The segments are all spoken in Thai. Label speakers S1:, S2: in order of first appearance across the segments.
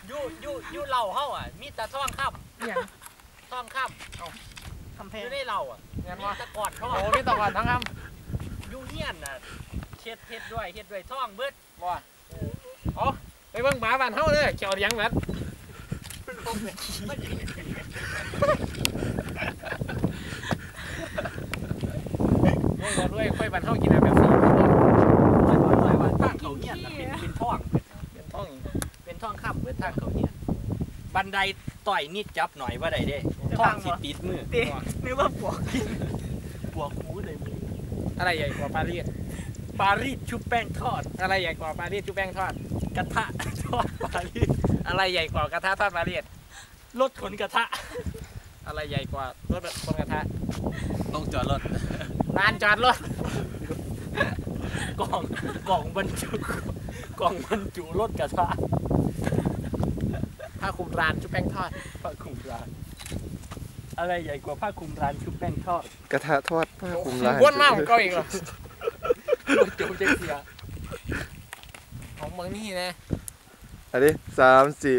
S1: ยู่เหล่าเฮาอ่ะมีแต่ท่องค่ำท่องค่ำ
S2: คำเพล
S1: อยู่ในเหล่าอ่ะมีตะกอนท่อง
S3: โอ้มีตะกอนทั้งค
S1: ำยู่เฮียนอ่ะเฮ็ดด้วยท่องเบิด
S3: ำว่าอ๋อไปเบิ่งหมาบ้านเฮาเลยเขียวเลี้ยงแบบด้วยค่อยบ้านเฮากินแบบนี้
S1: ทางเขาเฮียนเป็นท่องเป็นท่องค่ำเบิดทางเขาเฮียนบันไดต่อยนิดจับหน่อยว่าได้เด้ท่องสิติดมือ
S2: ตีนึกว่าปวก
S1: หูเลยมือ
S3: อะไรใหญ่กว่าปารีส
S1: ปารีสชุบแป้งทอด
S3: อะไรใหญ่กว่าปารีสชุบแป้งทอด
S1: กระทะทอดปารีส
S3: อะไรใหญ่กว่ากระทะทอดปารีส
S1: รถขนกระทะ
S3: อะไรใหญ่กว่ารถคนกระทะ
S1: ต้องจอดรถ
S3: ลานจอดรถ
S1: กล่องบรรจุรถกระทะ
S3: ผ้าคลุมลานชุบแป้งทอด
S1: ผ้าคลุมร้านอะไรใหญ่กว่าผ้าคลุมร้านชุบแป้งทอด
S4: กระทะทอดผ้าคลุมร้าน
S3: บ้วนมากของเก่าอีกเหรอ
S1: จุ๊บเจ๊เสีย
S3: ของเมืองนี่นะ
S4: อันนี้3 4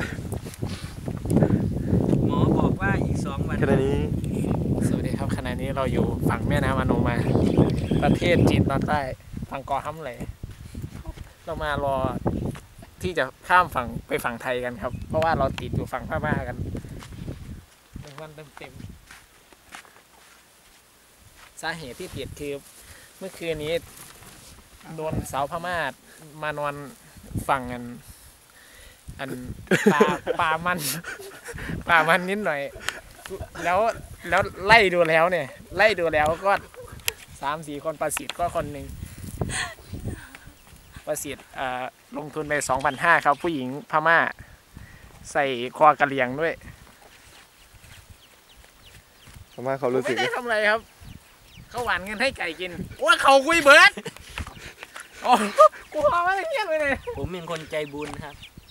S1: หมอบอกว่าอีก2 วัน
S4: แค่นี้
S3: สวัสดีครับขณะนี้เราอยู่ฝั่งแม่น้ำอโนมาประเทศจีนตอนใต้ฝั่งเกาะฮัมเหลเรามารอที่จะข้ามฝั่งไปฝั่งไทยกันครับเพราะว่าเราติดอยู่ฝั่งพม่ากัน1 วันเต็มสาเหตุที่ติดคือเมื่อคืนนี้โดนสาวพม่ามานอนฝั่งอันป่ามันนิดหน่อยแล้วไล่ดูแล้วก็3-4 คนประสิทธิ์ก็คนหนึ่งประสิทธิ์ลงทุนไป 2,500 ครับผู้หญิงพม่าใส่คอกระเหลี่ยงด้วย
S4: ทำไมเขารู้สึ
S3: ไม่
S4: ก
S3: ได้ทำอะไรครับเขาหวานเงินให้ไก่กินว่าเขาคุยเบิร์ดโอ้กูพามาเงี้ยเลย
S1: ผมเป็นคนใจบุญครับ